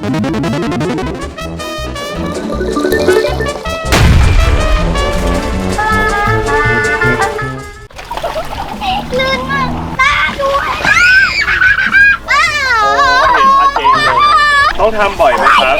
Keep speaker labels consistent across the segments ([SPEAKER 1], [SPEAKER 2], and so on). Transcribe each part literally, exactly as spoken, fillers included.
[SPEAKER 1] ลื่นมากตาด้วย
[SPEAKER 2] ต้องทำบ่อยไหมครับ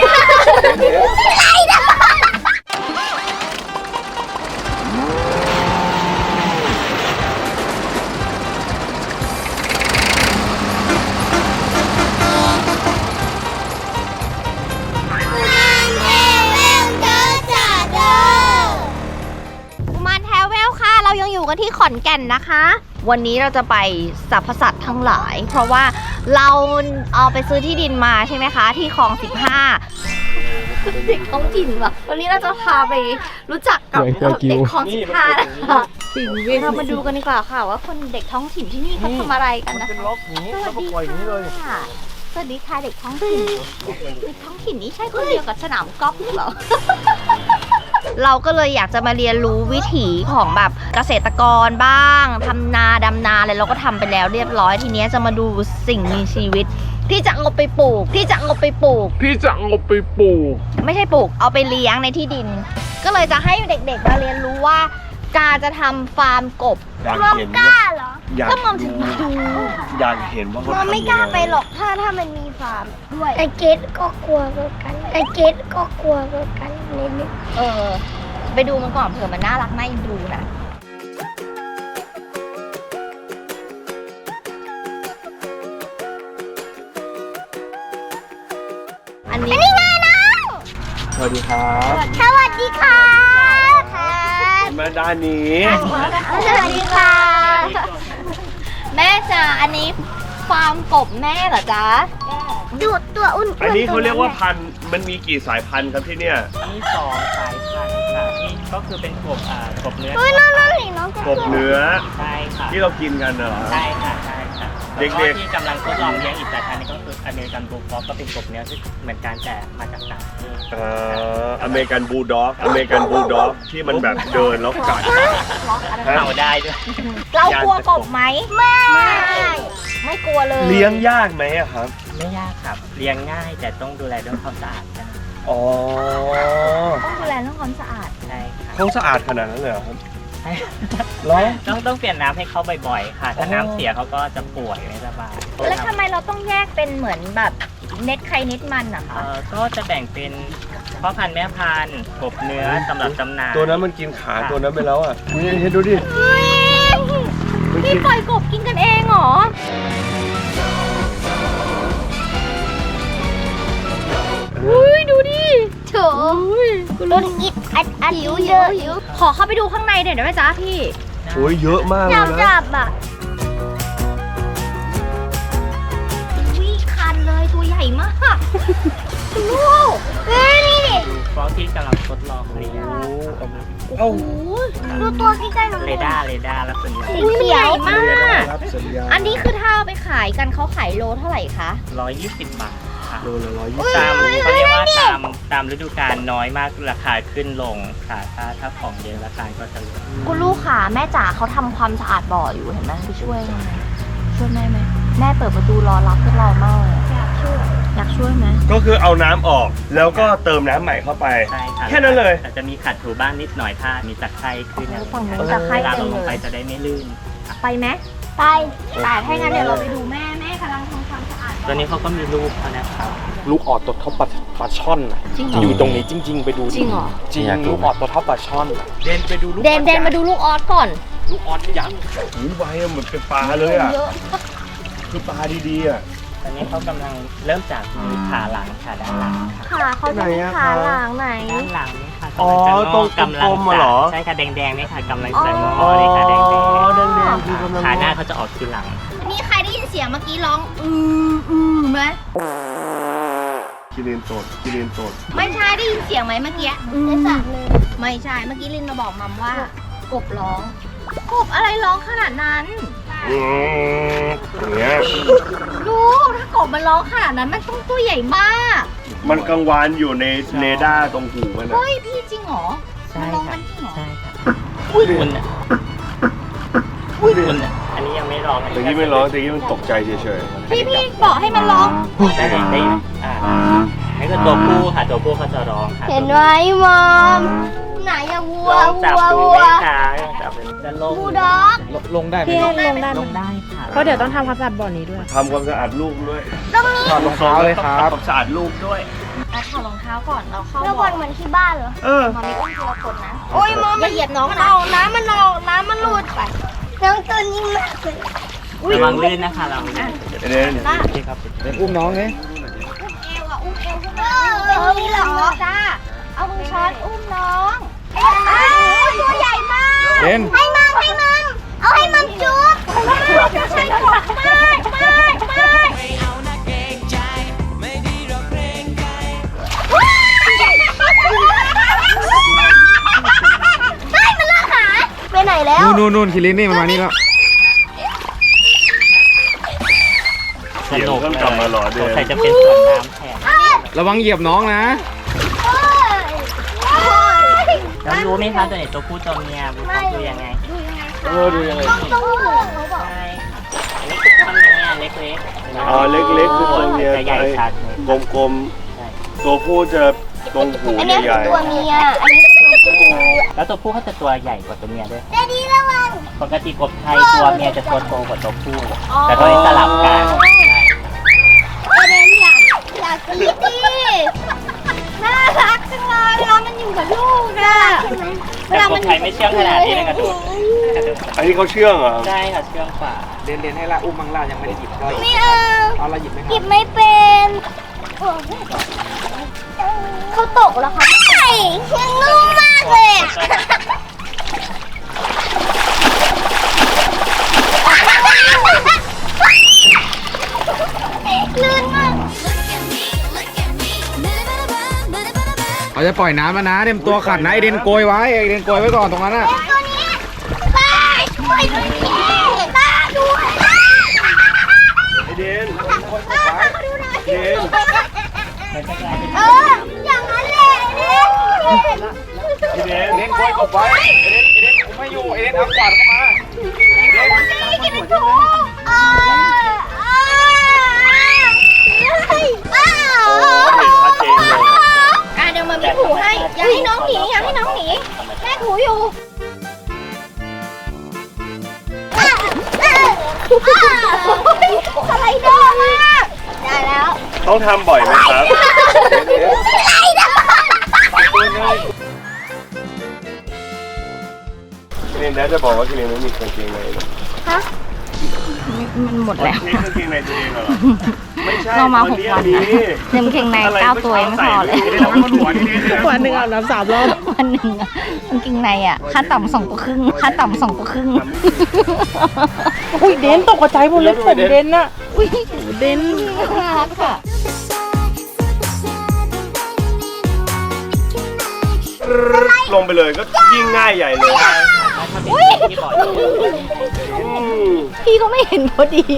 [SPEAKER 1] เรายังอยู่กันที่ขอนแก่นนะคะวันนี้เราจะไปสรรพสัตว์ทั้งหลายเพราะว่าเราเอาไปซื้อที่ดินมาใช่ไหมคะที่คลองสิบห้าเด็กท้องถิ่นว่ะวันนี้เราจะพาไปรู้จักกับเด็กคลองสิบห้านะคะเรามาดูกันดีกว่าค่ะว่าคนเด็กท้องถิ่นที่นี่เขาทำอะไรกันนะคะสวัสดีค่ะสวัสดีค่ะเด็กท้องถิ่นเด็กท้องถิ่นนี้ใช่คนเดียวกับสนามกอล์ฟหรอเราก็เลยอยากจะมาเรียนรู้วิถีของแบบเกษตรกรบ้างทำนาดำนาอะไรเราก็ทำไปแล้วเรียบร้อยทีนี้จะมาดูสิ่งมีชีวิตที่จะเอาไปปลูกที่จะเอาไปปลูก
[SPEAKER 2] ที่จะเอาไปปลูก
[SPEAKER 1] ไม่ใช่ปลูกเอาไปเลี้ยงในที่ดินก็เลยจะให้เด็กๆมาเรียนรู้ว่าการจะทำฟาร์มกบ
[SPEAKER 2] อยากเห็นกล้าเหรอ
[SPEAKER 1] ก็มองถึงมาดู
[SPEAKER 2] อยากเห็นว่าเขาทำ
[SPEAKER 1] ไม่กล้าไปหรอกถ้าถ้ามันมีฟาร์มด้วย
[SPEAKER 3] ไอเกตก็กลัวเหมือนกันไอเกตก็กลัวเหมือนกันนิดนึง
[SPEAKER 1] เออไปดูมันก่อนเผื่อมันน่ารักน่าเอ็นดูนะอันนี้อันนี้ไงน้อง
[SPEAKER 2] สวัสดีครับ
[SPEAKER 1] สวัสดีค่ะ
[SPEAKER 2] มาด้านนี้
[SPEAKER 1] สวัสดีค่ะแม่จ๋าอันนี้ฟาร์มกบแม่เหรอจ๊ะ
[SPEAKER 3] ดูตัวอุ่น
[SPEAKER 2] อันนี้เขาเรียกว่าพันธุ์มันมีกี่สายพันธุ์ครับที่เนี่ย
[SPEAKER 4] มีสองสายพันธุ์ค่ะนี่ก็คือเป็นกบอ่ากบเนื้อ
[SPEAKER 3] เฮ้ยน้องน้องน้อง
[SPEAKER 2] กบเนื้อ
[SPEAKER 4] ใช่ค่ะ
[SPEAKER 2] ที่เรากินกันเหรอ
[SPEAKER 4] ใช่ค่ะใช่ค่ะ
[SPEAKER 2] เด็กๆ
[SPEAKER 4] ที่กำลังทดลองเลี้ยงอีกสายพันธุ์นึงก็คืออเมริกันบูลด็อกก็เป็นกบเนื้อที่เหมือนกันแต่มาจากต่างประเทศ
[SPEAKER 2] เอ่ออเมริกันบูลด็อกอเมริกันบูลด็อกที่มันแบบเดินแล้วกัด
[SPEAKER 4] เห่าได้ด้วย
[SPEAKER 1] เรากลัวกบไหมไม่ไม่กลัวเลย
[SPEAKER 2] เลี้ยงยากไหมอะครับ
[SPEAKER 4] ไม่ยากครับเลี้ยงง่ายแต่ต้องดูแลเรื่องความสะอาดกัน
[SPEAKER 2] อ๋อ
[SPEAKER 1] ต้องดูแลเรื่องความสะอาด
[SPEAKER 4] ใช่ครับ
[SPEAKER 2] เขาสะอาดขนาดนั้นเลยเหรอครับ
[SPEAKER 4] ใช่แล้วต้องต้องเปลี่ยนน้ำให้เขาบ่อยๆค่ะถ้าน้ำเสียเขาก็จะป่วยไม่สบาย
[SPEAKER 1] แล้วทำไมเราต้องแยกเป็นเหมือนแบบเน็ตใครเน็ตมันอะคะ
[SPEAKER 4] ก็จะแบ่งเป็นพ่อพันธุ์แม่พันธุ์กบเนื้อสำหรับจำหน่าย
[SPEAKER 2] ตัวนั้นมันกินขาตัวนั้นไปแล้วอ่ะเห็นดูดิ
[SPEAKER 1] พี่ปล่อยกบกินกันเองเหรออุ้ยดูดิโถ
[SPEAKER 3] รถอิดอัดอัด
[SPEAKER 1] หิวหิวหิวขอเข้าไปดูข้างในเดี๋ยวได้ไหมจ๊ะพี่
[SPEAKER 2] โอ้ยเยอะมากเลยนะ
[SPEAKER 3] จับอ่ะ
[SPEAKER 1] วิ่งคันเลยตัวใหญ่มากลูก
[SPEAKER 3] เฮ้ยนี่ดิ
[SPEAKER 4] ฟอสที่กำลังทดลองเลี้ยง
[SPEAKER 1] โอ้โห
[SPEAKER 3] ดูตัวใกล้ๆหน่อย
[SPEAKER 4] เรดาร์เรดาร์แล้วเป็น
[SPEAKER 1] ใหญ่มากอันนี้คือถ้าเอาไปขายกันเขาขายโลเท่าไหร่คะ
[SPEAKER 4] ร้อยยี่สิบบาท
[SPEAKER 2] โลละร้อยยี่สิบ
[SPEAKER 4] ตามเขาเรียกว่าตามตามฤดูกาลน้อยมากราคาขึ้นลงค่ะถ้าถ้าของเยอะราคาก็จะลด
[SPEAKER 1] คุณลูกค่ะแม่จ๋าเขาทำความสะอาดบ่ออยู่เห็นไหมไปช่วยช่วยแม่ไหมแม่เปิดประตูรอรับพวกเรามาก
[SPEAKER 3] อยากช่วย
[SPEAKER 1] อยากช่วยไหม
[SPEAKER 2] ก็คือเอาน้ำออกแล้วก็เติมน้ำใหม่เข้าไป
[SPEAKER 4] ใช่ค่ะ
[SPEAKER 2] แค่นั้นเลย
[SPEAKER 4] อาจจะมีขัดถูบ้านนิดหน่อยถ้ามีตะไคร้ขึ้น
[SPEAKER 1] ฝั่งนู้นตะไคร้เต็มเลย
[SPEAKER 4] ไปจะได้ไม่ลื่น
[SPEAKER 1] ไปไหม
[SPEAKER 3] ไป
[SPEAKER 1] แต่ถ้างั้นเดี๋ยวเราไปดูแม่แม่กำลังทำความสะอาด
[SPEAKER 4] ตัวนี้เขาก็มีลูกเขานะครับ
[SPEAKER 5] ลูกออดตัวเท่าปลาปลาช่อนอยู่ตรงนี้จริงๆไปดู
[SPEAKER 1] จริงเหรอ
[SPEAKER 5] จริงลูกออดตัวเท่าปลาช่อน
[SPEAKER 2] เดนไปดูลูก
[SPEAKER 1] เดนเดนมาดูลูกออสก่อน
[SPEAKER 5] ลูกออสยักษ์
[SPEAKER 2] หูใบเหมือนเป็นปลาเลยอ่ะคือปลาดีๆอ่ะ
[SPEAKER 4] ตอนนี้เขากำลังเริ่มจากขาหลังขาด้านหลัง
[SPEAKER 1] ขาเขาจะมีขาหลังไหน
[SPEAKER 4] ด้านหลังนี่ค่ะ
[SPEAKER 2] อ๋อตรงกำลังเหรอ
[SPEAKER 4] ใช่ค่ะแดงๆนี่ค่ะกำลังจะงอเลยค่ะแดงๆขาหน้าเขาจะออกทีหลัง
[SPEAKER 1] นี่ใครได้ยินเสียงเมื่อกี้ร้องอืมอืมไหม
[SPEAKER 2] กิเลนโตดกิเลนโตด
[SPEAKER 1] ไม่ใช่ได้ยินเสียงไหมเมื่อกี้
[SPEAKER 3] ไม่สั่นเลย
[SPEAKER 1] ไม่ใช่เมื่อกี้ลินมาบอกมัมว่ากบร้องกบอะไรร้องขนาดนั้น
[SPEAKER 2] อืมอย่างเงี้ย
[SPEAKER 1] ดูถ้ากบมันร้องขนาดนั้นมันต้องตัวใหญ่มาก
[SPEAKER 2] มันกังวานอยู่ในเรดาร์ตรงหูมันนะ
[SPEAKER 1] เฮ้ยพี่จริงเหรอ
[SPEAKER 4] มัน
[SPEAKER 1] ร้องมันจริงเหรอ
[SPEAKER 4] ใช่ค่ะอุ้ยคุณอ่ะอุ้ยคุณอ่ะอันนี้ยังไม่ร้อง
[SPEAKER 2] แต่กี้ไม่ร้องแต่กี้มันตกใจเฉย
[SPEAKER 1] ๆพี่พี่บอกให้มันร้อง
[SPEAKER 4] ได้ได้อ่าไม่ตัวผู้ค่ะตัวผู้เขาจะร้องค่ะ
[SPEAKER 3] เห็นไหมมอมไหนอะวัว
[SPEAKER 4] ลองจับ
[SPEAKER 3] วัว
[SPEAKER 4] ดู
[SPEAKER 3] วั
[SPEAKER 4] ไหม
[SPEAKER 3] ว
[SPEAKER 4] คะลองจับดูจะลง
[SPEAKER 3] บูลด็อก
[SPEAKER 5] ลงได้ไหม
[SPEAKER 6] พี่ให้ลงได้
[SPEAKER 4] ล
[SPEAKER 6] ไหม
[SPEAKER 4] งได้ค่ะ
[SPEAKER 6] เพราะเดี๋ยวต้องทำความสะอาดบ่อนี้ด้วย
[SPEAKER 2] ทำความสะอาดลูกด้วย
[SPEAKER 3] ตรงนี้
[SPEAKER 5] ถอดรองเท้าเลยครับ
[SPEAKER 2] ทำความสะอาดลูกด้วย
[SPEAKER 1] อ่ะถอดรองเท้าก่อนเราเข้า
[SPEAKER 3] แล้ว
[SPEAKER 1] บ่
[SPEAKER 3] บ
[SPEAKER 1] อ
[SPEAKER 3] อลเหมือนที่บ้านเหรอ
[SPEAKER 2] เออ
[SPEAKER 1] มามีอุ้มทีละคนนะ
[SPEAKER 3] โอ้ยมอม
[SPEAKER 1] อย่าเหยียบน้อง
[SPEAKER 3] มัน
[SPEAKER 1] นะ
[SPEAKER 3] เอาน้ำมันเอาน้ำมันหลุดไปน้องตัวนี้มากเลย
[SPEAKER 4] ระวังลื่นนะคะเราลื่น
[SPEAKER 2] เอเดน
[SPEAKER 1] ล่า
[SPEAKER 4] ที่ครับ
[SPEAKER 5] เดินอุ้มน้องไง
[SPEAKER 1] อุ้มเอวอ่ะอุ้มเอวขึ้น
[SPEAKER 3] เอ
[SPEAKER 1] มา
[SPEAKER 3] อมีเหรอ
[SPEAKER 1] จ้าเอามือช้อนอุ้มน้อง
[SPEAKER 3] อ้าวตัวใหญ่มาก
[SPEAKER 5] เดิน
[SPEAKER 3] ให้มัมให้มัมเอาให้มัมจุ๊บจะใช้หลอกมากมากมากไม่เอานะเกรงใจไม่ดีหรอกเกรงใจเฮ้ยมันเลิกหาไปไหนแล้ว
[SPEAKER 5] นู่นนู่นนู่นคิรินนี่มันมานี่แล้ว
[SPEAKER 4] สนุก
[SPEAKER 2] เดี๋ยวต้องกลับมาเหรอเดือน
[SPEAKER 4] สงสัยจะเป็นสวนน้ำแทน
[SPEAKER 5] ระวังเหยียบน้องนะ
[SPEAKER 4] แล้วรู้ไหมคะตัวไหนตัวผู้ตัวเมียรู้เขาคือยังไง
[SPEAKER 5] เออดูยังไง
[SPEAKER 3] ต้องต้องหัวเขาบอก
[SPEAKER 4] ใช่ค่ะอันนี้คือตัวเมียเล็กๆ
[SPEAKER 2] อ๋อเล็กๆคือตัวเมีย
[SPEAKER 4] จะใหญ่ชัดเลย
[SPEAKER 2] กลม
[SPEAKER 4] ใช่
[SPEAKER 2] ๆ ตัวผู้จะตรงหู
[SPEAKER 3] อันนี้
[SPEAKER 2] ให
[SPEAKER 3] คือ
[SPEAKER 2] ญ่
[SPEAKER 3] ตัวเมีย อันนี้คือตัวผู้
[SPEAKER 4] แล้วตัวผู้เขาจะตัวใหญ่กว่าตัวเมียด้วย
[SPEAKER 3] เดดี้ระวัง
[SPEAKER 4] ปกติกบไทยตัวเมียจะตัวโตกว่าตัวผู้ แต่ตัวนี้สลับกันใช่
[SPEAKER 3] ประเด็นอยากอยากกรี๊ดดิน่ารักจังเลยเวลามันอยู่กับลูกอะใช่ไหม
[SPEAKER 4] แต่กบไทยไม่เชื่องขนาดนี้นะกระโดด
[SPEAKER 2] ๆอันนี้เขาเชื่องเหรอ
[SPEAKER 4] ใช่ค่ะเชื่องกว่า
[SPEAKER 5] เดินเดินให้ละอุ้มมังล่ายังไม่ได้หยิบเรา
[SPEAKER 3] ไม่เอา
[SPEAKER 5] เอาละหยิบไหมค
[SPEAKER 3] หยิ
[SPEAKER 5] รับบ
[SPEAKER 3] ไม่เป็นเขาตกแล้วคะใช่ยังนุ่มมากเลยอะลื่นมาก
[SPEAKER 5] เขาจะปล่อยน้ำแล้วนะเตรียมตัวขัดนะไอเดนโกยไว้ไอเดนโกยไว้ก่อนตรงนั้นน่ะ
[SPEAKER 3] ตัวนี้ตาช่วยด้วยตาด้วย
[SPEAKER 2] ไอเดน
[SPEAKER 3] ตามาดูหน่อย
[SPEAKER 2] เดน
[SPEAKER 3] เอออย่างนั้นแหละเนี่ย
[SPEAKER 2] ไอเดน
[SPEAKER 5] ไอเดนโกยกบไว้ไอเดนไอเดนผมไม่อยู่ไอเดนเอากวาดเข้ามาไอเดน
[SPEAKER 3] กินเป็นถุงเออเอออ้าว
[SPEAKER 2] โอ้เห็นชัดเจนเลย
[SPEAKER 1] อ่ะเดี๋ยวมามีถูให้อย่าให้น้องหนีอย่าให้น้องหนีแม่ถูอยู่
[SPEAKER 3] สไลเดอร์มากได้แล้ว
[SPEAKER 2] ต้องทำบ่อยไหมครับ
[SPEAKER 3] สไลเดอร์
[SPEAKER 2] เรียนแล้วจะบอกว่าคิรินไม่มีกางเกงในนะ
[SPEAKER 1] มันหมดแล้ว
[SPEAKER 2] นี่กางเกงในตัวเองเหรอ ไม่ใช่
[SPEAKER 1] เรามาหก
[SPEAKER 2] ตั
[SPEAKER 1] วัน
[SPEAKER 2] นี้
[SPEAKER 1] นะเต็มเกงในเก้าตัวยังไม่พอเลย
[SPEAKER 6] วันหนึ่งอาบน้ำสามรอบ
[SPEAKER 1] วันหนึ่งอะกางเกงในอ่ะค่าต่ำสองตัวครึ่งค่าต่ำสองตัวครึ่ง
[SPEAKER 6] อุ้ยเดนตกใจหมดเลยผมเดนน่ะอุ้ยเดน
[SPEAKER 1] น่ารักอ่ะ
[SPEAKER 2] ลงไปเลยก็ยิ่งง่ายใหญ่เลย
[SPEAKER 4] ถ้าเป็นที่บ่อย
[SPEAKER 2] อืม
[SPEAKER 1] พี่ก็ไม่เห็นพอดี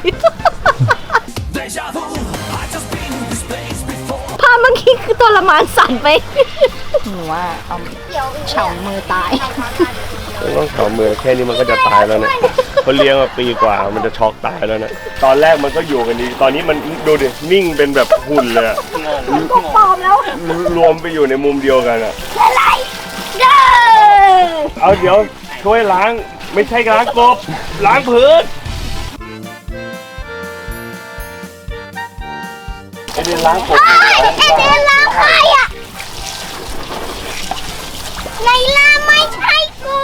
[SPEAKER 1] ภาพเมื่อกี้คือตัวละมานสั่นไปหนูว่าเอาเฉามือตาย
[SPEAKER 2] ต้องเข่ามือแค่นี้มันก็จะตายแล้วเนี่ยเขาเลี้ยงมาปีกว่ามันจะช็อกตายแล้วนะตอนแรกมันก็อยู่กันดี ตอนนี้มันดูดินิ่งเป็นแบบหุ่นเลยอะ
[SPEAKER 3] ปลอมแล้ว
[SPEAKER 2] รวมไปอยู่ในมุมเดียวกันอะ
[SPEAKER 3] อะไรเด้อ
[SPEAKER 2] เอาเดี๋ยวช่วยล้างไม่ใช่ล้างกบล้างพื้นไอเดนล้างกบ
[SPEAKER 3] ไอ้เดนล้างใครอะในล่าไม่ใช่กู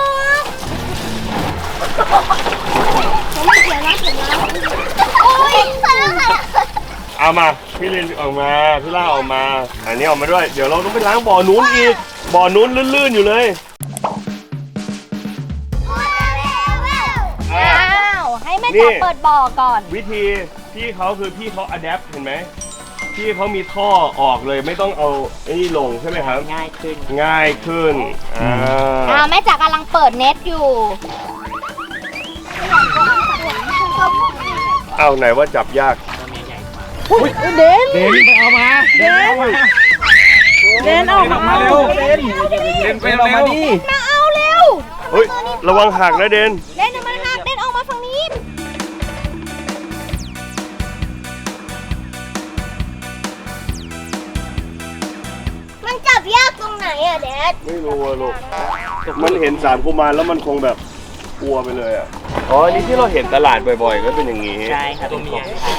[SPEAKER 3] ไม่เกี่ยวนะเกี่ยวนะโอ้ยใครอะใครอะ
[SPEAKER 2] เอามาพี่ลินออกมาพี่ล่าออกมาอันนี้ออกมาด้วยเดี๋ยวเราต้องไปล้างบ่อนู้นอีกบ่อนู้นลื่นๆอยู่เลย
[SPEAKER 1] อ้าวให้แม่จ๋าเปิดบ่อก่อน
[SPEAKER 2] วิธีพี่เขาคือพี่เขาอัดแอปเห็นไหมพี่เขามีท่อออกเลยไม่ต้องเอาไอ้นี่ลงใช่ไหมครับ
[SPEAKER 4] ง่ายขึ้น
[SPEAKER 2] ง่ายขึ้นอ่า
[SPEAKER 1] อ่าแม่จ๋ากำลังเปิดเน็ตอยู่
[SPEAKER 2] เอาไหนว่าจับยาก
[SPEAKER 6] อุ้ยเดน
[SPEAKER 5] เดนไปเอามาเดนเอามา
[SPEAKER 6] เดนออก
[SPEAKER 5] เดนออก
[SPEAKER 6] มา
[SPEAKER 5] มาเร็วเดนเดนไปเอามาดิ
[SPEAKER 1] มาเอาเร็ว
[SPEAKER 2] เฮ้ยระวังหักนะเดน
[SPEAKER 1] เล่นมาหักเล่นออกมาฝั่งนี้
[SPEAKER 2] เ
[SPEAKER 3] รงไหนอะแดด
[SPEAKER 2] ไม่รู้อะลูกมันเห็นสามกุมารแล้วมันคงแบบกลัวไปเลยอ่ะอ๋ออันนี้ที่เราเห็นตลาดบ่อยๆก็เป็นอย่างนี้
[SPEAKER 4] ใช่ครับเป็นอย่างใช่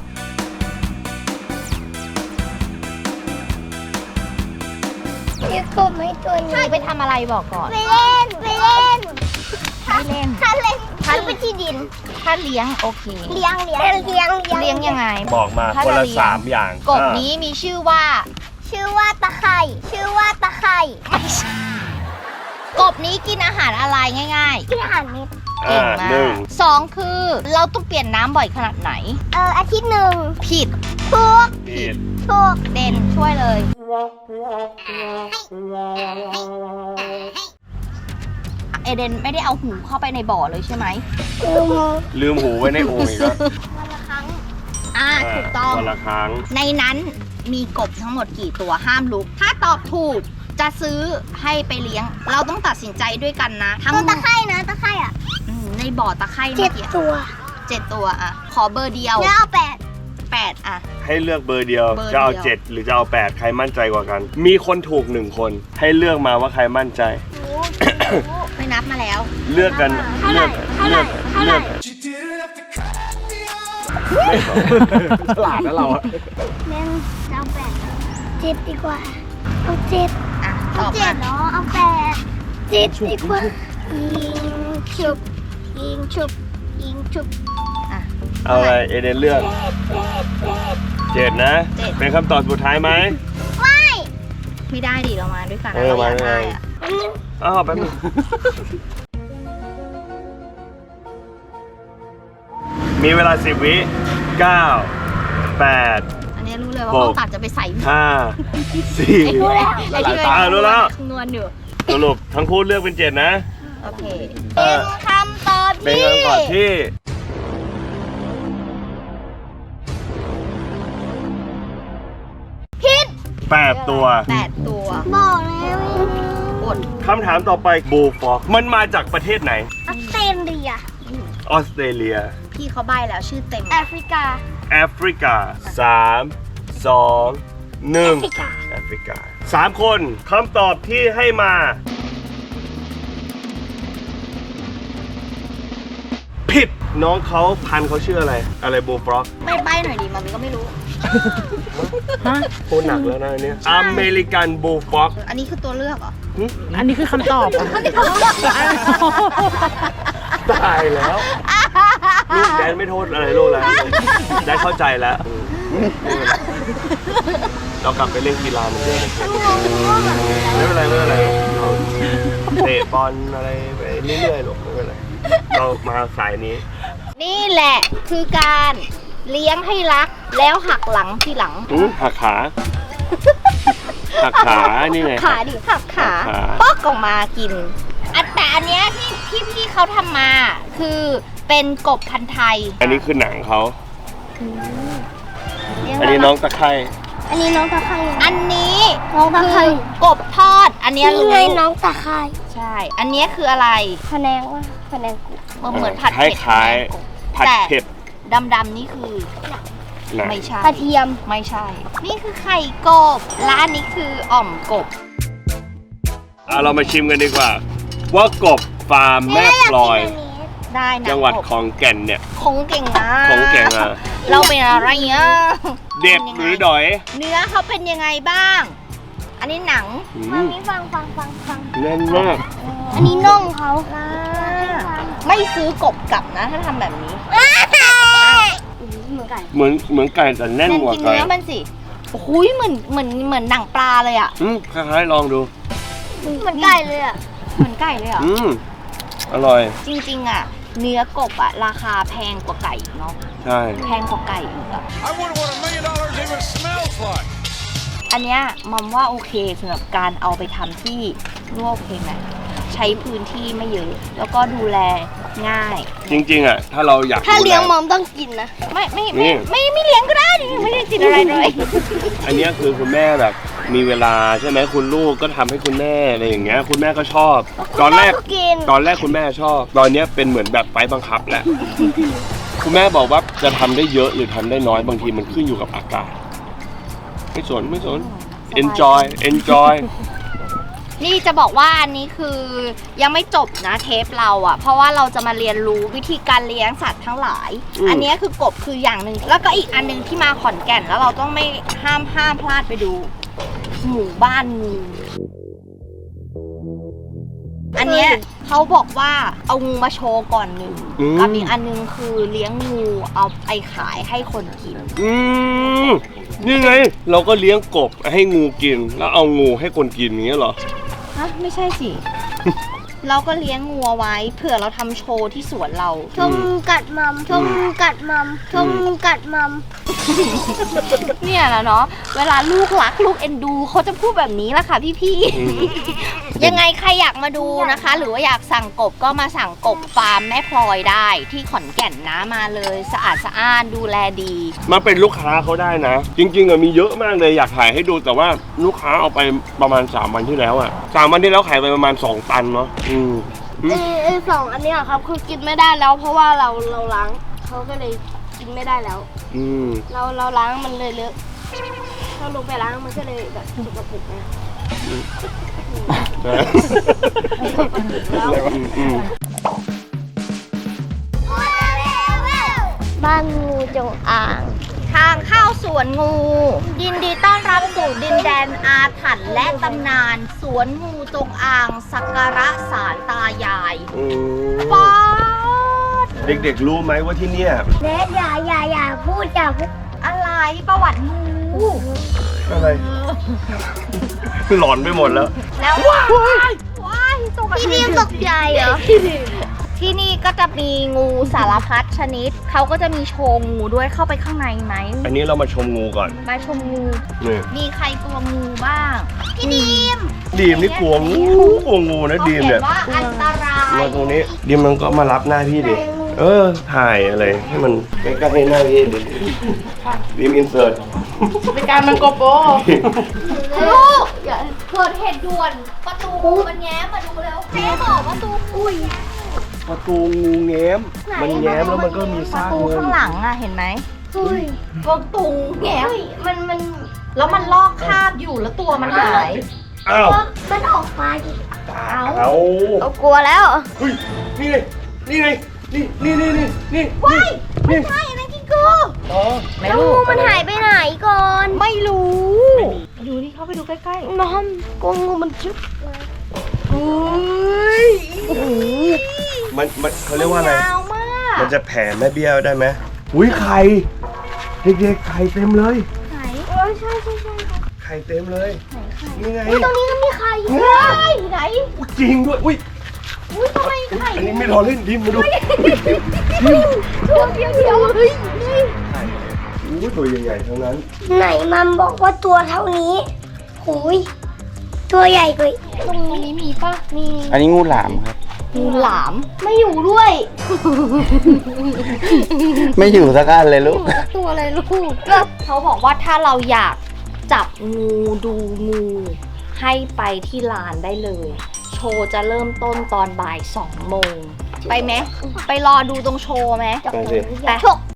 [SPEAKER 3] เรียกกบไหมตัวนี้
[SPEAKER 1] ไปทำอะไรบอกก่อน
[SPEAKER 3] ไปเล่นไปเล่น
[SPEAKER 1] ไม่เล่น
[SPEAKER 3] ถ้าเล่นถ้าไปที่ดิน
[SPEAKER 1] ถ้าเลี้ยงโอเค
[SPEAKER 3] เลี้ยงเลี้ยงเลี้ยง
[SPEAKER 1] เลี้ยงยังไง
[SPEAKER 2] บอกมา
[SPEAKER 1] ถ้า
[SPEAKER 2] คน
[SPEAKER 1] จะ
[SPEAKER 2] ละ
[SPEAKER 1] เลี้ยง
[SPEAKER 2] สามอย่าง
[SPEAKER 1] กบ
[SPEAKER 2] อ่า
[SPEAKER 1] นี้มีชื่อว่า
[SPEAKER 3] ชื่อว่าตะไคร่ชื่อว่าตะไคร่
[SPEAKER 1] ไม่ใช่กบนี้กินอาหารอะไรง่าย
[SPEAKER 3] ที่อาหารเม็ด
[SPEAKER 1] ๆ
[SPEAKER 2] อ่า
[SPEAKER 1] เก่งมา
[SPEAKER 2] หนึ่ง
[SPEAKER 1] กสองคือเราต้องเปลี่ยนน้ำบ่อยขนาดไหน
[SPEAKER 3] เอออาทิตย์หนึ่ง
[SPEAKER 1] ผิด
[SPEAKER 3] ถูก
[SPEAKER 2] ผิด
[SPEAKER 3] ถูก
[SPEAKER 1] เด่นช่วยเลยเอเดนไม่ได้เอาหูเข้าไปในบ่อเลยใช่ไหม
[SPEAKER 3] อืม
[SPEAKER 2] ลืมหูไว้ในโอ่งอีกแล้ว
[SPEAKER 3] วันละครั้ง
[SPEAKER 1] อ่าถูกต้อง
[SPEAKER 2] วันละครั้ง
[SPEAKER 1] ในนั้นมีกบทั้งหมดกี่ตัวห้ามลุก ถ้าตอบถูกจะซื้อให้ไปเลี้ยง เราต้องตัดสินใจด้วยกันนะ ทั้ง
[SPEAKER 3] ตัวตะไคร่นะตะไคร่อ่ะ
[SPEAKER 1] อืมในบ่อตะไคร่
[SPEAKER 3] เจ็
[SPEAKER 1] เมื่
[SPEAKER 3] ด
[SPEAKER 1] อกี้
[SPEAKER 3] ตัว
[SPEAKER 1] เจ็ดตัวอ่ะ ขอเบอร์เดียว
[SPEAKER 3] แล้วเอาแปด
[SPEAKER 1] แปดอ่ะ
[SPEAKER 2] ให้เลือกเบอร์เดียว
[SPEAKER 1] เบอร์เดียว
[SPEAKER 2] จะเอาเจ็ดหรือจะเอาแปดใครมั่นใจกว่ากัน มีคนถูกหนึ่งคน ให้เลือกมาว่าใครมั่นใจ
[SPEAKER 1] ไม่นับมาแล้ว
[SPEAKER 2] เลือกกันเลือกเลือกเลือก
[SPEAKER 5] ฉลาดนะเราอะ
[SPEAKER 3] แม่งจะเอาแปดเจ็ดดีกว่าเอาเจ็ด
[SPEAKER 1] อ่ะต
[SPEAKER 3] เอา
[SPEAKER 1] อบ
[SPEAKER 3] เจ็
[SPEAKER 1] มา
[SPEAKER 3] ดเนาะเอาแปดเจ็ดดีกว่ายิงชุบยิงชุบยิงชุบ
[SPEAKER 1] อ่ะ
[SPEAKER 2] เอาอะไรเอเดนเลือก
[SPEAKER 3] เจ็ดเจ็ดเจ็ด
[SPEAKER 2] เจ็ดนะ
[SPEAKER 1] เจ็ด
[SPEAKER 2] เป็นคำตอบสุดท้ายไหม
[SPEAKER 3] ไม่
[SPEAKER 1] ไม่ได้ดิเรามาด้วยกัน
[SPEAKER 2] เอ
[SPEAKER 1] นะ
[SPEAKER 2] อ
[SPEAKER 1] เราอยาก
[SPEAKER 2] มา
[SPEAKER 1] ได้
[SPEAKER 2] เลย
[SPEAKER 1] อ่ะ
[SPEAKER 2] อ้าวแป๊บนึงมีเวลาสิบวิเก้าแปด
[SPEAKER 1] อันนี้รู้เลยว่า
[SPEAKER 2] หก
[SPEAKER 1] เขาตัดจะไปใส่
[SPEAKER 2] ห้าสี่
[SPEAKER 1] ไอ้รู้แล้วไอ้ที่
[SPEAKER 2] อ่ารู้แล้ว
[SPEAKER 1] คำนวณอยู่
[SPEAKER 2] สรุปทั้งคู่เลือกเป็นเจ็ดนะ
[SPEAKER 1] โอเค
[SPEAKER 2] เอ
[SPEAKER 3] เป็
[SPEAKER 2] อ
[SPEAKER 3] นคำตอบ
[SPEAKER 2] เป็น
[SPEAKER 3] ที่
[SPEAKER 2] คำตอบที่ผิดแปดตัว
[SPEAKER 1] แปดตัว
[SPEAKER 3] บอกแล้ว
[SPEAKER 1] อด
[SPEAKER 2] คำถามต่อไปบูฟอกมันมาจากประเทศไหน
[SPEAKER 3] ออสเตรเลีย
[SPEAKER 2] ออสเตรเลีย
[SPEAKER 1] พี่เขาใบแล้วชื่อเต็ม
[SPEAKER 3] แอฟริกา
[SPEAKER 2] แอฟริกาสามสองหนึ่ง
[SPEAKER 3] แอฟริกา
[SPEAKER 2] แอฟริกาสามคนคำตอบที่ให้มา ผิดน้องเขาพันธุ์เขาชื่ออะไร อะไรบูฟรอก
[SPEAKER 1] ไม่ใบหน่อยดิมันก็ไม่รู้
[SPEAKER 2] โคตรหนักแล้วนะอันเนี่ยอเมริกันบูฟอก
[SPEAKER 1] อันนี้คือตัวเลือกเหรอ
[SPEAKER 6] อันนี้คือคำตอบอ่ะ
[SPEAKER 2] ตายแล้วลูกแดนไม่โทษอะไรลูกแล้วแดนเข้าใจแล้วเรากลับไปเล่นกีฬาเหมือนเดิมไม่เป็นไรไม่เป็นไรเราเตะบอลอะไรไปเรื่อยๆหรอกไม่เป็นไรเรามาสายนี้
[SPEAKER 1] นี่แหละคือการเลี้ยงให้รักแล้วหักหลังทีหลัง
[SPEAKER 2] อืมหักขา หักขา นี่ไง
[SPEAKER 1] ขาดิหักขา
[SPEAKER 2] หักขา
[SPEAKER 1] ปอกออกมากินอันแต่อันเนี้ยที่ที่พี่เขาทำมา คือเป็นกบพันธุ์ไทย
[SPEAKER 2] อันนี้คือหนังเขา
[SPEAKER 1] เลี้ยง
[SPEAKER 2] อันนี้
[SPEAKER 1] แล้ว
[SPEAKER 2] น้องตะไคร่
[SPEAKER 3] อันนี้น้องตะไคร่
[SPEAKER 1] อันนี้
[SPEAKER 3] น้องตะไคร่
[SPEAKER 1] คือกบทอด อันเนี้ย
[SPEAKER 3] นี่
[SPEAKER 1] รู้
[SPEAKER 3] ไงน้องตะไคร่
[SPEAKER 1] ใช่ อันเนี้ยคืออะไร
[SPEAKER 3] พะแนงว่าพะแนงกุ
[SPEAKER 1] มันเหมือนผัด
[SPEAKER 2] ค
[SPEAKER 1] เผ็ด
[SPEAKER 2] ล้าย
[SPEAKER 1] กบ
[SPEAKER 2] ๆผัดเผ็ด
[SPEAKER 1] ดำดำๆนี่คือ
[SPEAKER 2] หนัง
[SPEAKER 1] ไม่ใช่
[SPEAKER 3] กระเทียม
[SPEAKER 1] ไม่ใช่ นี่คือไข่กบ และอันนี้คืออ่อมกบ
[SPEAKER 2] อ่ะเรามาชิมกันดีกว่า ว่ากบฟาร์มแม่พลอย
[SPEAKER 1] ได้นะ
[SPEAKER 2] จังหวัด
[SPEAKER 1] กบ
[SPEAKER 2] ของแก่นเนี่ย
[SPEAKER 1] คงเก่งนะ
[SPEAKER 2] ของแก่งอ่ะ
[SPEAKER 1] เราเป็นอะไรเงี้ย
[SPEAKER 2] เด็ดหรือดอย
[SPEAKER 1] เนื้อเขาเป็นยังไงบ้าง อันนี้หนัง
[SPEAKER 2] อื
[SPEAKER 3] ฟัง
[SPEAKER 2] ม
[SPEAKER 3] นี้ฟังฟังฟังฟัง
[SPEAKER 2] แน่นมาก
[SPEAKER 3] อันนี้น่องเขา
[SPEAKER 1] ไม่ซื้อกบกลับนะ ถ้าทำแบบนี้
[SPEAKER 3] เหมือนกัน
[SPEAKER 2] เหมือนเหมือนไก่แต่แน่นกว่า
[SPEAKER 1] กิน
[SPEAKER 2] ไก่
[SPEAKER 1] เนื้อมันสิโอ้โหเหมือนเหมือนเหมือนหนังปลาเลยอ่ะ
[SPEAKER 2] อืมคล้ายๆลองดู
[SPEAKER 3] เหมือนไก่เลยอ่ะ
[SPEAKER 1] เหมือนไก่เลยเหรอ่ะ
[SPEAKER 2] อืมอร่อย
[SPEAKER 1] จริงๆอ่ะ เนื้อกบอ่ะราคาแพงกว่าไก่อีกเนาะ
[SPEAKER 2] ใช่
[SPEAKER 1] แพงกว่าไก่อีกอ่ะ
[SPEAKER 7] I wonder what a million dollars even smells like.
[SPEAKER 1] อันเนี้ยมัมว่าโอเคสำหรับการเอาไปทำที่ร่วมโอเคไหมใช้พื้นที่ไม่เยอะ แล้วก็ดูแลง่าย
[SPEAKER 2] จริงๆอ่ะถ้าเราอยาก
[SPEAKER 3] ถ้าเลี้ยง
[SPEAKER 2] ดู
[SPEAKER 3] ม
[SPEAKER 2] แ
[SPEAKER 3] อมต้องกินนะ
[SPEAKER 1] ไม่ไม่
[SPEAKER 2] นี่
[SPEAKER 1] ไม่ไม่ไม่เลี้ยงก็ได้ดิไม่ได้ติดอะไรเลย
[SPEAKER 2] อันเนี้ยคือคุณแม่แบบมีเวลาใช่ไหมคุณลูกก็ทำให้คุณแม่อะไรอย่างเงี้ยคุณแม่ก็ชอบ ตอนแรก
[SPEAKER 3] คุณแม่ก็กิน
[SPEAKER 2] ตอนแรกคุณแม่ชอบ ตอนเนี้ยเป็นเหมือนแบบไฟบังคับแล้ว คุณแม่บอกว่าจะทำได้เยอะหรือทำได้น้อยบางทีมันขึ้นอยู่กับอากาศไม่สนไม่สน enjoy enjoy
[SPEAKER 1] นี่จะบอกว่าอันนี้คือยังไม่จบนะเทปเราอะเพราะว่าเราจะมาเรียนรู้วิธีการเลี้ยงสัตว์ทั้งหลาย อันนี้คือกบคืออย่างหนึ่งแล้วก็อีกอันหนึงที่มาขอนแก่นแล้วเราต้องไม่ห้ามห้ามพลาดไปดู หมู่บ้านงูอันเนี้ยเขาบอกว่าเอางูมาโชว์ก่อนหนึ่ง
[SPEAKER 2] อืม
[SPEAKER 1] กับอีกอันหนึงคือเลี้ยงงูเอาไปขายให้คนกิน
[SPEAKER 2] อืมนี่ไง เราก็เลี้ยงกบให้งูกิน แล้วเอางูให้คนกินอย่างเงี้ยเหรอ
[SPEAKER 1] ฮะไม่ใช่สิ เราก็เลี้ยงงูเอาไว้เผื่อเราทำโชว์ที่สวนเรา
[SPEAKER 3] ชมงูกัดมัมชมงูกัดมัมชมงูกัดมัม
[SPEAKER 1] เนี่ยแหละเนาะเวลาลูกรักลูกเอ็นดูเขาจะพูดแบบนี้แหละค่ะพี่
[SPEAKER 2] อืม
[SPEAKER 1] ๆ ยังไงใครอยากมาดูนะคะ หรือว่าอยากสั่งกบก็มาสั่งกบฟาร์มแม่พลอยได้ที่ขอนแก่นนะมาเลยสะอาดสะอ้านดูแลดี
[SPEAKER 2] มาเป็นลูกค้าเขาได้นะ จริงๆอะมีเยอะมากเลยอยากถ่ายให้ดูแต่ว่าลูกค้าเอาไปประมาณสามวันที่แล้วอะสามวันที่แล้วขายไปประมาณสองตันเนาะอืมอืม
[SPEAKER 3] เออเออสองอันเนี้ยครับคือกินไม่ได้แล้วเพราะว่าเราเราล้างเขาก็เลยกินไม่ได้แล้ว
[SPEAKER 2] อืม
[SPEAKER 3] เราเราล้างมันเลยเลอะเราลงไปล้างมันก็เลยแบบสกปรกนะ
[SPEAKER 2] อืม
[SPEAKER 3] บ้านงูจงอาง
[SPEAKER 1] ทางเข้าสวนงู ยินดีต้อนรับสู่ดินแดนอาถรรพ์และตำนาน สวนงูจงอางสักการะศาลตายาย
[SPEAKER 2] อืม
[SPEAKER 1] ป๊าด
[SPEAKER 2] เด็กๆรู้ไหมว่าที่เนี่ย
[SPEAKER 3] เนทอย่าอย่าอย่าพูดอย่าพูด
[SPEAKER 1] อะไรประวัติงู
[SPEAKER 2] อะไรหลอนไปหมดแล้ว
[SPEAKER 1] แล้วว้ายว้ายตก
[SPEAKER 3] พี่ดิมตกใจเหรอ
[SPEAKER 1] ที่นี่ก็จะมีงูสารพัดชนิด เขาก็จะมีโชว์งูด้วยเข้าไปข้างในไหม
[SPEAKER 2] อันนี้เรามาชมงูก่อน
[SPEAKER 1] มาชมงู
[SPEAKER 2] นี่
[SPEAKER 1] มีใครกลัวงูบ้าง
[SPEAKER 3] พี่ดิม
[SPEAKER 2] ดีมนี่กลัวงูกลัวงูนะ
[SPEAKER 1] เขา
[SPEAKER 2] ดีม
[SPEAKER 1] เขี
[SPEAKER 2] เนี่ย ย
[SPEAKER 1] นว่าอันตราย
[SPEAKER 2] มาตรงนี้ดีมมันก็มารับหน้าพี่ดิเออถ่ายอะไรให้มันใกล้ๆให้หน้าพี่ดิดีมอินเสิร์ต
[SPEAKER 6] เป็นการมันโกโป
[SPEAKER 1] ลูกเกิดเหตุด่วนประตูมันแง้มมาดูแล้วแม่บอกประตูอุ้ย
[SPEAKER 2] ประตูงูแง้มมันแง้มแล้วมันก็มี
[SPEAKER 1] ป
[SPEAKER 2] ซา
[SPEAKER 1] ระ
[SPEAKER 2] ก
[SPEAKER 1] ตู
[SPEAKER 2] เงิน
[SPEAKER 1] ข้างหลังอะเห็นไหม
[SPEAKER 3] อุ้ย
[SPEAKER 1] ประตูแง้ม
[SPEAKER 3] อุ้ยมันมัน
[SPEAKER 1] แล้วมันลอกคราบอยู่แล้วตัวมันหาย
[SPEAKER 2] อ้าว
[SPEAKER 3] มันออกมาดิ
[SPEAKER 2] เอา
[SPEAKER 3] เรากลัวแล้ว
[SPEAKER 2] เฮ้ยนี่ไงนี่ไงนี่นี่นี่นี่นี่
[SPEAKER 1] ว้าย
[SPEAKER 2] นี่
[SPEAKER 1] ใช่นะกิงกู
[SPEAKER 2] อ๋อ
[SPEAKER 1] ไม่
[SPEAKER 3] แล้ว
[SPEAKER 1] รู้
[SPEAKER 3] งูมันหายไปไหนก่อน
[SPEAKER 1] ไม่รู้ดูที่เขาไปดูใกล้ๆ
[SPEAKER 3] น้องกลัวงูมันจุ๊บ
[SPEAKER 1] อุ้ย
[SPEAKER 2] มันมันเขาเรียกว่าอะไร
[SPEAKER 1] ยาวมาก
[SPEAKER 2] มันจะแผ่แม่เบี้ยวได้ไหมอุ้ยไข่เด็กๆไข่เต็มเลย
[SPEAKER 1] ไหน
[SPEAKER 3] เออใช่ใช่ใช่
[SPEAKER 2] ไข่เต็มเลยนี่ไง
[SPEAKER 3] ตรงนี้ก็มีใคร
[SPEAKER 1] เฮ้ยไหน
[SPEAKER 2] อุ๊ยจริงด้วยอุ้ย
[SPEAKER 1] อุ้ยทำไมไข่
[SPEAKER 2] อันนี้ไม่รอเล่นดิมมาดู
[SPEAKER 1] ตัวเดียวเดียวเฮ้ย
[SPEAKER 2] อู้ตัวใหญ่ๆทั้งนั้น
[SPEAKER 3] ไหนมัมบอกว่าตัวเท่านี้หูยตัวใหญ่กว่าอีกตรงนี้มีปะมี
[SPEAKER 5] อันนี้งูหลามครับ
[SPEAKER 1] งูหลาม
[SPEAKER 3] ไม่อยู่ด้วย
[SPEAKER 5] ไม่อยู่สักอันเลยลูก
[SPEAKER 1] ตัวอะไรลูกก็เขาบอกว่าถ้าเราอยากจับงูดูงูให้ไปที่ลานได้เลย โชว์จะเริ่มต้นตอนบ่ายสองโมงไปไหมไปรอดูตรงโชว์ไหม
[SPEAKER 2] ไปสิ
[SPEAKER 1] ไป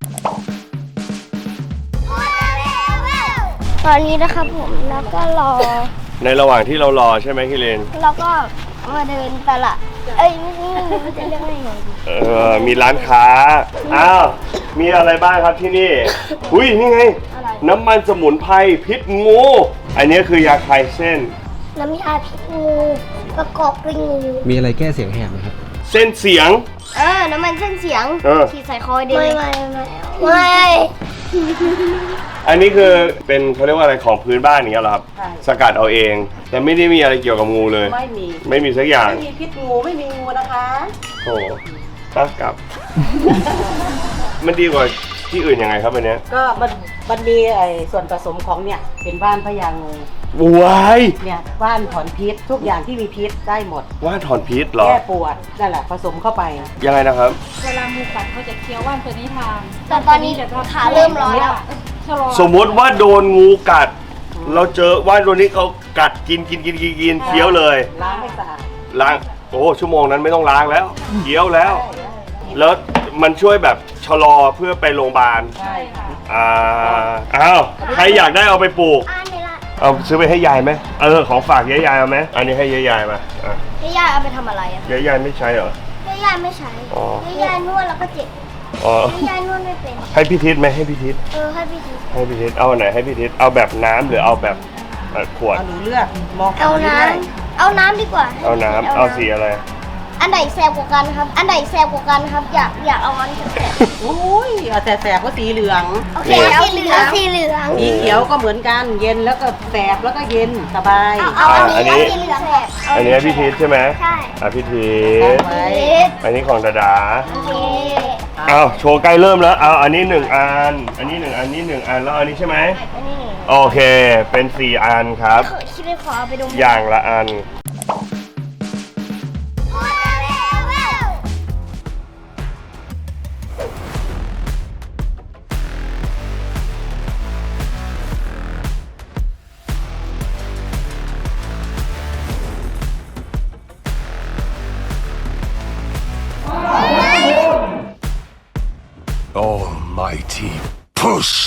[SPEAKER 3] ตอนนี้นะครับผมแล้วก็รอ
[SPEAKER 2] ในระหว่างที่เรารอใช่ไหมคิเลน
[SPEAKER 3] แล้วก็มาเดินตลาดเอ้ยไม่ใช่ไม่จะเรียกว่าไงดี
[SPEAKER 2] เออมีร้านค้าอ้าวมีอะไรบ้างครับที่นี่อุ้ยนี่ไง
[SPEAKER 3] อะไร
[SPEAKER 2] น้ำมันสมุนไพรพิษงู อันนี้คือยาคลายเส้น
[SPEAKER 3] น้ำยาพิษงูประกอบด้วยงู
[SPEAKER 5] มีอะไรแก้เสียงแหบไหมครับ
[SPEAKER 2] เส้นเสียง
[SPEAKER 3] เออน้ำมันเส้นเสียง
[SPEAKER 2] เออ
[SPEAKER 3] ฉีดใส่คอเด็กไม่ไม่ไม่ไม่
[SPEAKER 2] อันนี้คือเป็นเขาเรียกว่าอะไรของพื้นบ้านอย่างเงี้ยเหรอครับ สกัดเอาเอง แต่ไม่ได้มีอะไรเกี่ยวกับงูเลย
[SPEAKER 6] ไม่มี
[SPEAKER 2] ไม่มีสักอย่าง
[SPEAKER 6] ไม่มีพิษงูไม่มีงูนะคะ
[SPEAKER 2] โอ้โหตั้งกลับ มันดีกว่าที่อื่นยังไงครับอันเนี้ย
[SPEAKER 6] ก็มันมันมีไอ้ส่วนผสมของเนี่ยเป็นว่านพญางู
[SPEAKER 2] ว้าย
[SPEAKER 6] เนี่ยว่านถอนพิษทุกอย่างที่มีพิษได้หมด
[SPEAKER 2] ว่าถอนพิษเหรอ
[SPEAKER 6] แก้ปวดนั่นแหละผสมเข้าไป
[SPEAKER 2] ยังไงนะครับ
[SPEAKER 8] เวลางูกัดเขาจะเคี้ยวว่านตัวนี้ทาน
[SPEAKER 3] แต่ตอนนี้ขาเริ่มร้อนแล้ว
[SPEAKER 8] ชะลอ
[SPEAKER 2] สมมติว่าโดนงูกัด เราเจอว่าตัวนี้เขากัดกินกินกินกินกินเคี้ยวเลย
[SPEAKER 6] ล้างให้สะอาด
[SPEAKER 2] ล้างโอ้ชั่วโมงนั้นไม่ต้องล้างแล้วเคี้ยวแล้ว แล้วมันช่วยแบบชะลอเพื่อไปโรงพยาบาล
[SPEAKER 6] ใช่ค่ะ
[SPEAKER 2] อ่าอ้าวใครอยากได้เอาไปปลูก
[SPEAKER 3] อ่านเลยละ
[SPEAKER 2] เอาซื้อไปให้ยายไหมเออของฝากยายยายเอาไหมอันนี้ให้ยายยายมาอ่ะ
[SPEAKER 1] ให้ย่าเอาไปทำอะไรอ่ะ
[SPEAKER 2] ยายยายไม่ใช้เหรอ
[SPEAKER 3] ให้ยายไม่ใช้
[SPEAKER 2] อ๋อ
[SPEAKER 3] ให้ยายนวดแล้วก็เจ็บ
[SPEAKER 2] อ๋อ
[SPEAKER 3] ให้ยายนวดไม่เป็น
[SPEAKER 2] ให้พี่ทิศไหมให้พี่ทิศ
[SPEAKER 3] เออให้พี่ที
[SPEAKER 2] ให้พี่ทิศเอาอันไหนให้พี่ทิศเอาแบบน้ำหรือเอาแบบเอ่อขวด
[SPEAKER 6] เอาหนูเลือกมอง
[SPEAKER 3] เอาน้ำเอาน้ำดีกว่า
[SPEAKER 2] เอาน้ำเอาสีอะไร
[SPEAKER 3] อันไหนแสบกว่ากันครับ อันไหนแสบกว่ากันครับ อยากอยากเอาอันแสบ
[SPEAKER 6] โอ้ยเอาแต่แสบก็สีเหลือง
[SPEAKER 3] โอเคเอาสีเหลืองสีเหลือง
[SPEAKER 6] สีเขียวก็เหมือนกัน เย็นแล้วก็แสบแล้วก็เย็นสบาย
[SPEAKER 3] เอาเอาอัน
[SPEAKER 2] อันนี้
[SPEAKER 3] นี้เอาสีเหลืองแสบ
[SPEAKER 2] อันนี้ให้พี่ทิศใช่ไหม
[SPEAKER 3] ใช่
[SPEAKER 2] อ่ะพี่ทิศ
[SPEAKER 6] ไว้
[SPEAKER 2] อันนี้ของดาดา
[SPEAKER 3] โอเค
[SPEAKER 2] เอาโชว์ใกล้เริ่มแล้วเอาอันนี้หนึ่งอัน อันนี้หนึ่งอันนี้หนึ่งอันแล้วอันนี้ใช่ไหม
[SPEAKER 3] อันนี้
[SPEAKER 2] โอเคเป็นสี่อันครับ
[SPEAKER 3] คิดเลยขอเอาไปดู
[SPEAKER 2] อย่างละอัน
[SPEAKER 7] Almighty push.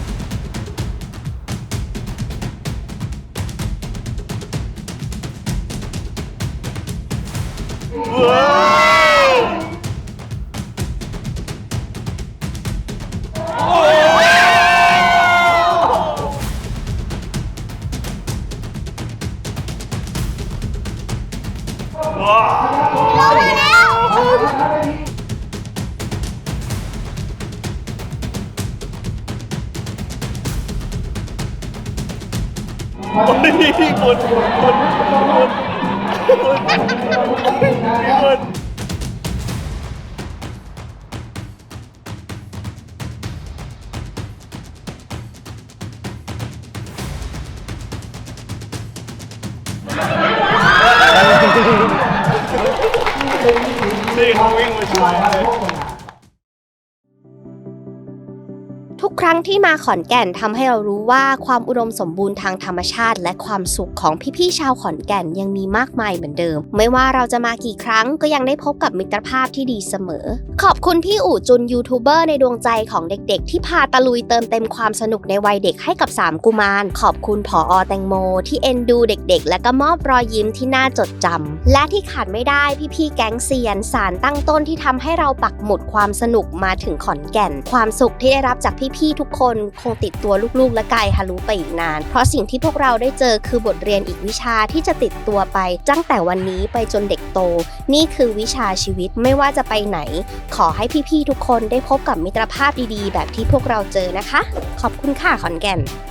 [SPEAKER 7] นี่เขาวิ่งมาช่วยเลย
[SPEAKER 1] ทุกครั้งที่มาขอนแก่นทำให้เรารู้ว่าความอุดมสมบูรณ์ทางธรรมชาติและความสุขของพี่ๆชาวขอนแก่นยังมีมากมายเหมือนเดิม ไม่ว่าเราจะมากี่ครั้งก็ยังได้พบกับมิตรภาพที่ดีเสมอ ขอบคุณพี่อู๋จุนยูทูบเบอร์ในดวงใจของเด็กๆที่พาตะลุยเติมเต็มความสนุกในวัยเด็กให้กับสามกุมารขอบคุณผอ.แตงโมที่เอ็นดูเด็กๆและก็มอบรอยยิ้มที่น่าจดจำและที่ขาดไม่ได้พี่ๆแก๊งเซียนสารตั้งต้นที่ทำให้เราปักหมุดความสนุกมาถึงขอนแก่นความสุขที่ได้รับจากพี่ๆทุกคนคงติดตัวลูกๆและกายฮารุไปอีกนานเพราะสิ่งที่พวกเราได้เจอคือบทเรียนอีกวิชาที่จะติดตัวไปตั้งแต่วันนี้ไปจนเด็กโตนี่คือวิชาชีวิตไม่ว่าจะไปไหนขอให้พี่ๆทุกคนได้พบกับมิตรภาพดีๆแบบที่พวกเราเจอนะคะขอบคุณค่ะขอนแก่น